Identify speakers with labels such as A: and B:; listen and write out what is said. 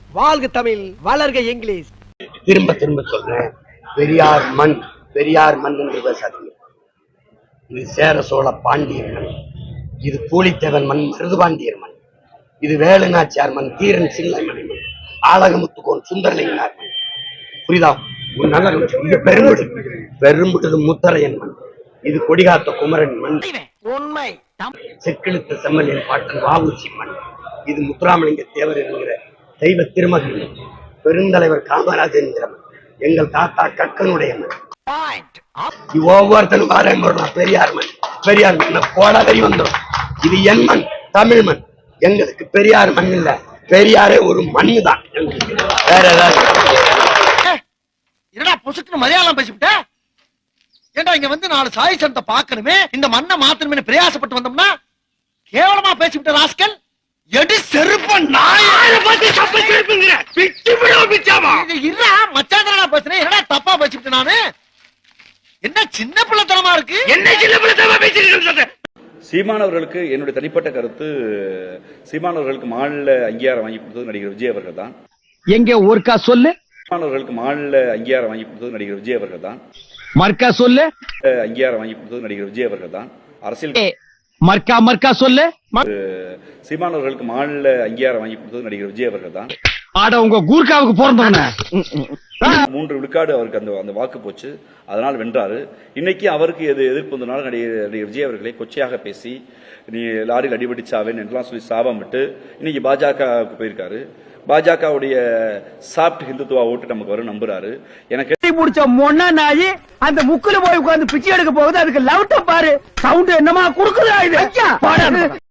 A: வாழ்க தமிழ், வளர்க இங்கிலீஷ்.
B: திரும்ப திரும்ப சொல்றேன், பெரியார் மண், பெரியார் மண் என்று பேசாதீங்க. இது சேர சோழ பாண்டியர் மண், இது பூலித்தேவன் மண், மருதுபாண்டியர் மண், இது வேலுநாச்சியார் மண், தீரன் சின்னைமணி மண், ஆலகமுத்துக்கோன் சுந்தரலிங்கனார் மண். புரியுதா? இது பெரும்புட்டது முத்தரையன் மண், இது கொடிகாத்த குமரன் மண்,
A: உண்மை.
B: செக்கிழுத்த செம்மலின் பாட்டன் வாவுச்சி மண், இது முத்துராமலிங்க தேவர் என்கிற தெய்வ திருமகன் மண், பெருந்தலைவர் காமராஜன் மண், எங்கள் தாத்தா கக்கனுடைய மண். ஒவ்வொருத்தனும் பாருங்க, பெரியார் மண், பெரியார் மண் போடாதறி வந்துடும். இது என் மண், தமிழ் மண். எங்களுக்கு பெரியார் மண் இல்ல, பெரியாரே ஒரு மண்ணு தான். வேற ஏதாவது
A: என்னடா புசுக்குன்னு மலையாளம் பேசிவிட்ட? ஏண்டா இங்க வந்து 4 சாய் சனத்தை பார்க்கணுமே, இந்த மண்ணை மாத்தணுமே பிரயாசப்பட்டு வந்தோம்னா கேவலமா பேசிவிட்ட ராஸ்கல். எடி செருப்ப நாயை பத்தி தப்பா பேசுறீங்க. பிச்சு விடு பிச்சாமா. இல்ல மச்சாந்தரா பேசுறேன். என்னடா தப்பா பேசிவிட்ட நானு? என்ன சின்ன பிள்ளைத்தனமா இருக்கு? என்ன சின்ன பிள்ளைத்தனமா பேசிட்டு?
C: சீமான் அவர்களுக்கு என்னுடைய தனிப்பட்ட கருத்து, சீமான் அவர்களுக்கு மாநில அங்கீகாரம் வாங்கி கொடுத்தது நடிகர் விஜய் அவர்கள் தான்.
D: எங்க ஒருக்கா சொல்லு.
C: சீமான் அவர்களுக்கு மாநில அங்கீகாரம் வாங்கி கொடுத்தது நடிகர் விஜய் அவர்கள் தான்.
D: மர்க்கா சொல்லு.
C: அங்கீகாரம் வாங்கி கொடுத்தது நடிகர் விஜய் அவர்கள் தான். அரசியல்
D: மர்க்கா சொல்லு.
C: சீமான் அவர்களுக்கு மாநில அங்கீகாரம் வாங்கி கொடுத்தது நடிகர் விஜய் அவர்கள் தான்.
D: ஆட உங்க கூர்க்காவுக்கு பிறந்தவன
C: 3 விழுக்காடு அவருக்கு அந்த வாக்கு போச்சு, அதனால் வென்றாரு. இன்னைக்கு அவருக்கு எதிர்ப்பு வந்தனால நடிகர் விஜய் அவர்களை கொச்சையாக பேசி, நீ லாரியில் அடிபடிச்சாவேன்னு என்றெல்லாம் சொல்லி சாபம் விட்டு இன்னைக்கு பாஜகவுக்கு போயிருக்காரு. பாஜகவுடைய சாப்ட் ஹிந்துத்துவா ஓட்டு நமக்கு வரும் நம்புறாரு. எனக்கு
D: முடிச்ச மொன்னா நாயி அந்த முக்குல போய் உட்கார்ந்து பிச்சை எடுக்க போகுது. அதுக்கு லவுட்ட பாரு, சவுண்ட் என்னமா குடுக்குதா இது?